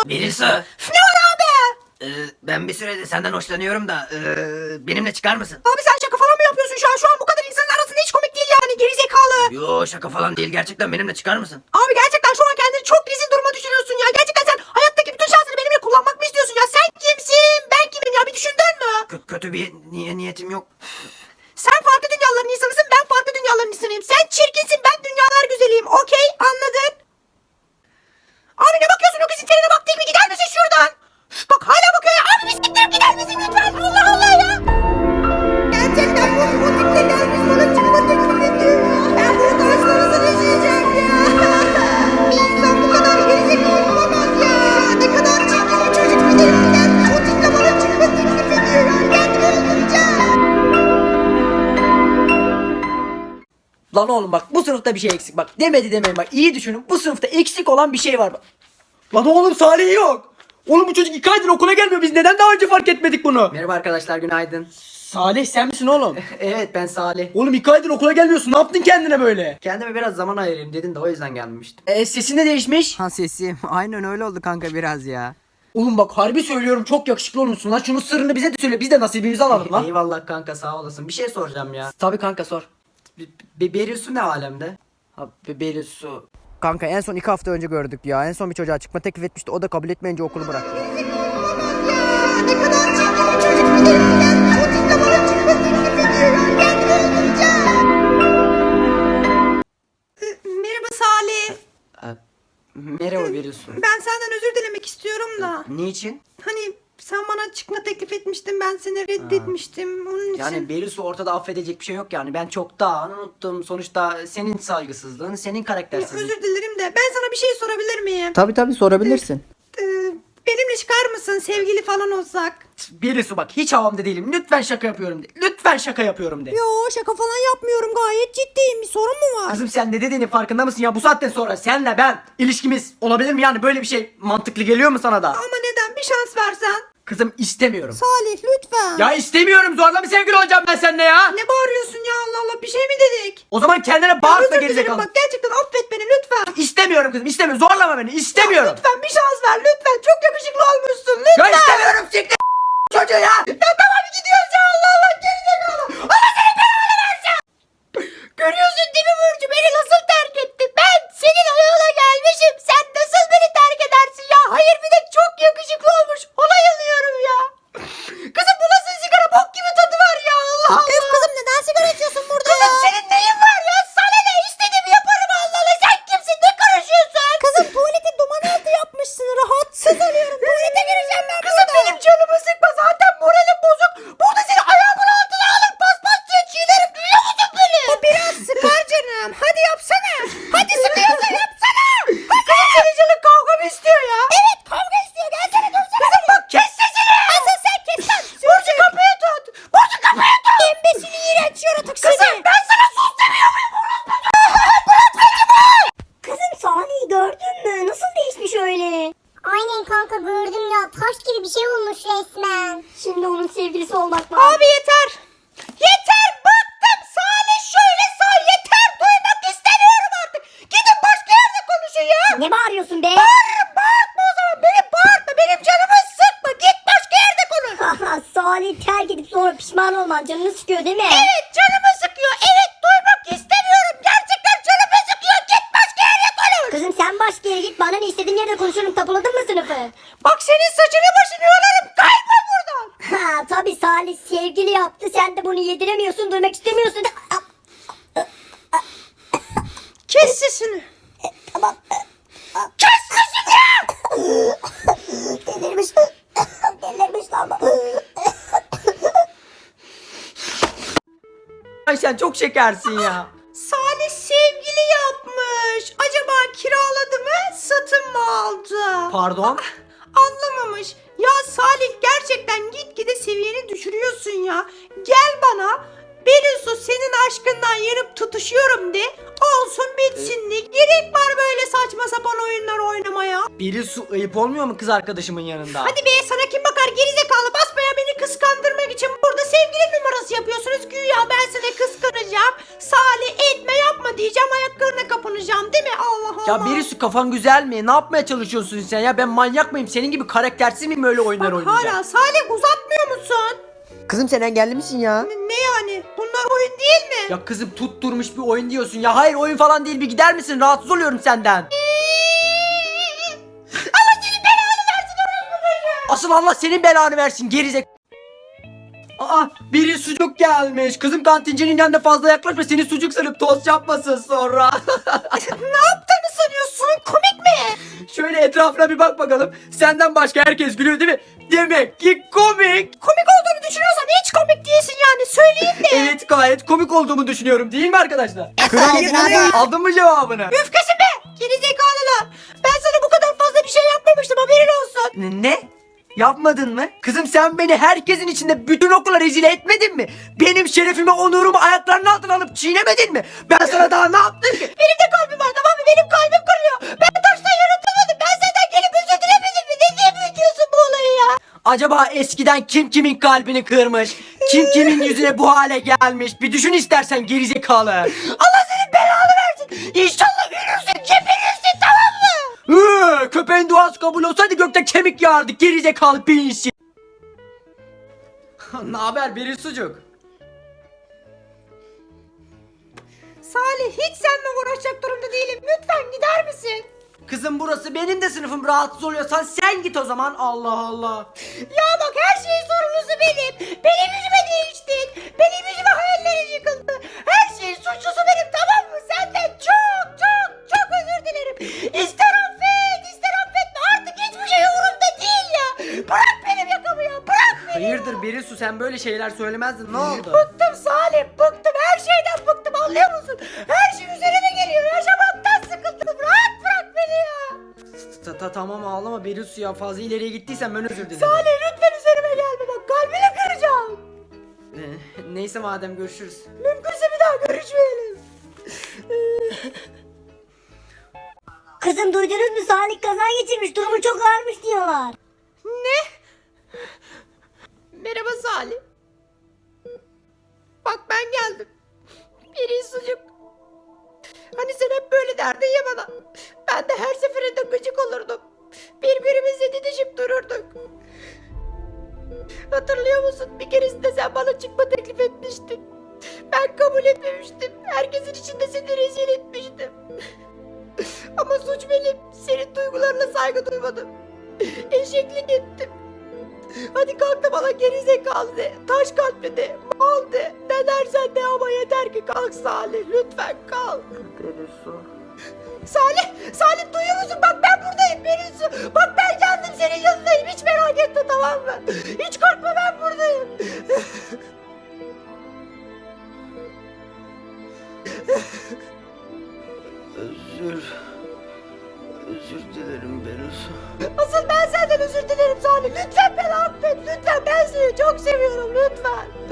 Birisi. Ne var abi? Ben bir süredir senden hoşlanıyorum da benimle çıkar mısın? Abi sen şaka falan mı yapıyorsun şu an? Şu an bu kadar insanın arasında hiç komik değil yani, gerizekalı. Yo, şaka falan değil, gerçekten benimle çıkar mısın? Abi gerçekten şu an kendini çok rezil duruma düşürüyorsun ya. Gerçekten sen hayattaki bütün şansını benimle kullanmak mı istiyorsun ya? Sen kimsin? Ben kimim ya? Bir düşündün mü? Kötü bir niyetim yok. Sen farklı dünyaların insanısın, ben farklı dünyaların insanıyım. Sen çirkinsin, ben dünyalar güzeliyim. Okey, anladın? Abi ne bakıyorsun, o kızın tenine bak değil mi? Gider misin şuradan? Üf, bak hala bakıyor ya. Abi bir siktir gider misin lütfen? Allah Allah ya. Gerçekten bu tiple gelmiş bana çıkma teklif ediyor ya. Ben bunu karşılarsa yaşayacağım ya. Bir insan bu kadar gerizekalı olamaz ya. Ne kadar çirkin bir çocuk bir de gelmiş. O tiple bana çıkma teklif ediyor ya. Kendimi öldüreceğim. Lan oğlum bak, bu sınıfta bir şey eksik bak. Demedi demeyin bak. İyi düşünün. Bu sınıfta eksik olan bir şey var bak. Lan oğlum Salih yok. Oğlum bu çocuk 2 aydır okula gelmiyor. Biz neden daha önce fark etmedik bunu? Merhaba arkadaşlar, günaydın. Salih sen misin oğlum? Evet, ben Salih. Oğlum 2 aydır okula gelmiyorsun. Ne yaptın kendine böyle? Kendime biraz zaman ayırayım dedin de o yüzden gelmiştim. Sesin de değişmiş. Ha, sesim aynen öyle oldu kanka biraz ya. Oğlum bak harbi söylüyorum, çok yakışıklı olmuşsun lan. Şunun sırrını bize de söyle. Biz de nasibimizi alalım lan. Eyvallah kanka, sağ olasın. Bir şey soracağım ya. Tabii kanka sor. Berisu ne alemde? Ha Berisu. Kanka en son 2 hafta önce gördük ya. En son bir çocuğa çıkma teklif etmişti. O da kabul etmeyince okulu bıraktı. Ne kadar çirkin bir çocuk bir de gelmiş. O tiple bana çıkma teklif ediyor ya. Kendimi öldüreceğim. Merhaba Salih. Merhaba Berisu. Ben senden özür dilemek istiyorum da. Niçin? Hani sen bana çıkma teklif etmiştin, ben seni reddetmiştim. Onun için. Yani Berisu, ortada affedecek bir şey yok yani. Ben çoktan unuttum. Sonuçta senin saygısızlığın, senin karaktersizliğin. Özür dilerim de ben sana bir şey sorabilir miyim? Tabii sorabilirsin. Benimle çıkar mısın, sevgili falan olsak? Berisu bak, hiç havamda değilim. Lütfen şaka yapıyorum de. Lütfen şaka yapıyorum de. Yo, şaka falan yapmıyorum, gayet ciddiyim. Bir sorun mu var? Kızım sen ne dediğinin farkında mısın ya? Bu saatten sonra senle ben ilişkimiz olabilir mi yani? Böyle bir şey mantıklı geliyor mu sana da? Ama neden, bir şans versen? Kızım istemiyorum. Salih lütfen. Ya istemiyorum, zorla mı sevgili olacağım ben seninle ya? Ne bağırıyorsun ya, Allah Allah, bir şey mi dedik? O zaman kendine bağırma Özür dilerim, gerizekalı. bak gerçekten affet beni lütfen. İstemiyorum kızım, istemiyorum. Zorlama beni, istemiyorum. Lütfen bir şans ver lütfen, çok yakışıklı olmuşsun lütfen. Ya istemiyorum, siktir çocuğu ya. Ya tamam gidiyoruz ya, Allah Allah, gerizekalı. Allah seni belanı versin. Görüyorsun değil mi Burcu, beni nasıl terk etti? Ben senin ayağına gelmişim, sen nasıl beni terk edersin ya? Hayır, bir de çok yakışıklı olmuş, ona yanıyorum ya. Kızım bu nasıl sigara, bok gibi tadı var ya, Allah Allah. Kızım neden sigara içiyorsun burada ya? Kızım senin neyin var ya? Sana ne, istediğimi yaparım, Allah Allah. Sen kimsin, ne karışıyorsun? Kızım tuvaleti duman altı yapmışsın, rahatsız oluyorum. Tuvalete gireceğim ben. Kızım benim canımı sıkma, zaten moralim bozuk. Burada seni ayağımın altına alır paspasçıya çiğnerim, duyuyor musun beni? O biraz sıkar canım, hadi yapsana. Hadi sıkıyorsa yapsana. Kızım senin canın kavga mı istiyor ya? Evet, kavga istiyor, gelsene dursana. Kızım bak, kes sesini. Asıl sen kes lan. Burcu kapıyı tut. Burcu kapıyı tut. Embesil iğrenç yaratık seni. Kızım ben sana sus demiyor muyum? Kızım Salih'i gördün mü? Nasıl değişmiş öyle? Aynen kanka, gördüm ya. Taş gibi bir şey olmuş resmen. Şimdi onun sevgilisi olmak var. Abi yeter. Yeter, bıktım. Salih şöyle sağ, yeter. Duymak istemiyorum artık. Gidin başka yerde konuşun ya. Ne bağırıyorsun be? Bağırma o zaman. Beni bağırtma. Benim canımı sıkma. Git başka yerde konuş. Haha, Salih terk edip sonra pişman olman canını sıkıyor değil mi? Evet, canımı sıkıyor. Evet, duymak istemiyorum. Gerçekten canımı sıkıyor. Git başka yere konuş. Kızım sen başka yere git, bana ne, istediğin yerde konuşurum. Tapuladın mı sınıfı? Bak senin saçını başını yolarım. Kaybol buradan. Ha tabii, Salih sevgili yaptı. Sen de bunu yediremiyorsun, duymak istemiyorsun. Kes sesini. Tamam. Kes sesini. Delirmiş. Delirmiş lan bu. Ay sen çok şekersin ya. Salih sevgili yapmış. Acaba kiraladı mı, satın mı aldı? Pardon. Anlamamış. Ya Salih, gerçekten gitgide seviyeni düşürüyorsun ya. Gel bana, Berisu senin aşkından yanıp tutuşuyorum de. Olsun bitsin de. Gerek var böyle saçma sapan oyunlar oynamaya. Berisu, ayıp olmuyor mu kız arkadaşımın yanında? Hadi be, sana kim bakar gerizekalı, basmaya beni kıskandırmak için burada sevgili numarası şakası yapıyorsunuz güya ben seni kıskanacağım. Salih etme yapma diyeceğim ayaklarına kapanacağım değil mi? Allah Allah. Ya birisi kafan güzel mi? Ne yapmaya çalışıyorsun sen ya? Ben manyak mıyım? Senin gibi karaktersiz miyim öyle oyunlar Bak oynayacağım? hala Salih uzatmıyor musun? Kızım sen engelli misin ya? Ne yani? Bunlar oyun değil mi? Ya kızım tutturmuş bir oyun diyorsun ya. Hayır oyun falan değil, bir gider misin? Rahatsız oluyorum senden. Allah senin belanı versin orospu çocuğu. Asıl Allah senin belanı versin gerizek. Aa, biri sucuk gelmiş. Kızım kantincinin yanına fazla yaklaşma, seni sucuk sanıp tost yapmasın sonra. Ne yaptığını sanıyorsun? Komik mi? Şöyle etrafına bir bak bakalım. Senden başka herkes gülüyor değil mi? Demek ki komik. Komik olduğunu düşünüyorsan hiç komik değilsin yani söyleyeyim de. Evet, gayet komik olduğumu düşünüyorum değil mi arkadaşlar? Kral Aldın mı cevabını? Üfkesin be! Gerizekalılar! Ben sana bu kadar fazla bir şey yapmamıştım haberin olsun. Ne? Yapmadın mı? Kızım sen beni herkesin içinde bütün okula rezil etmedin mi? Benim şerefimi, onurumu ayaklarının altına alıp çiğnemedin mi? Ben sana daha ne yaptım ki? Benim de kalbim var tamam mı? Benim kalbim kırıyor. Ben taştan yaratılmadım. Ben senden gelip özür dilemedim mi? Ne diye büyütüyorsun bu olayı ya? Acaba eskiden kim kimin kalbini kırmış? Kim kimin yüzüne bu hale gelmiş? Bir düşün istersen gerizekalı. Allah senin belanı versin. İnşallah ölürsün, geberirsin tamam mı? Köpeğin duası kabul olsaydı gökte kemik yağardı gerizekalı pinsi. Ne haber biri sucuk? Salih hiç seninle uğraşacak durumda değilim. Lütfen gider misin? Kızım burası benim de sınıfım, rahatsız oluyorsan sen git o zaman. Allah Allah. Ya bak her şeyin sorumlusu benim. Benim yüzüme değiştin. Benim yüzüme hayallerin yıkıldı. Her şeyin suçlusu benim tamam mı? Senden çok çok çok özür dilerim. İster affet ister affetme artık hiçbir şey umurumda değil ya. Bırak benim yakamı ya bırak beni. Hayırdır Berisu, sen böyle şeyler söylemezdin, ne oldu? Bıktım Salim bıktım her şeyden bıktım anlıyor musun? Her şey üzerime geliyor yaşamaktan sıkıldım rahat bırak beni ya. Tamam ağlama Berisu ya, fazla ileriye gittiysen ben özür dilerim. Salih lütfen üzerime gelme bak kalbini kıracağım. Neyse madem, görüşürüz. Mümkünse bir daha görüşmeyelim. Kızım duydunuz mu? Salih kaza geçirmiş. Durumu çok ağırmış diyorlar. Ne? Merhaba Salih. Bak ben geldim. Biri sucuk. Hani sen hep böyle derdin ya bana. Ben de her seferinde gıcık olurdum. Birbirimizle didişip dururduk. Hatırlıyor musun? Bir keresinde sen bana çıkma teklif etmiştin. Ben kabul etmemiştim. Herkesin içinde seni rezil etmiştim. Ama suç benim. Senin duygularına saygı duymadım. Eşeklik ettim. Hadi kalk da bana gerizekalı de, taş kalpli de, mal de, ne dersen de ama yeter ki kalk Salih, lütfen kalk. Salih duyuyor musun? Bak ben buradayım Berisu. Bak ben geldim senin yanındayım, hiç merak etme tamam mı? Hiç korkma ben buradayım. Özür dilerim Berisu. Asıl ben senden özür dilerim Salih. Lütfen beni affet, lütfen ben seni çok seviyorum lütfen.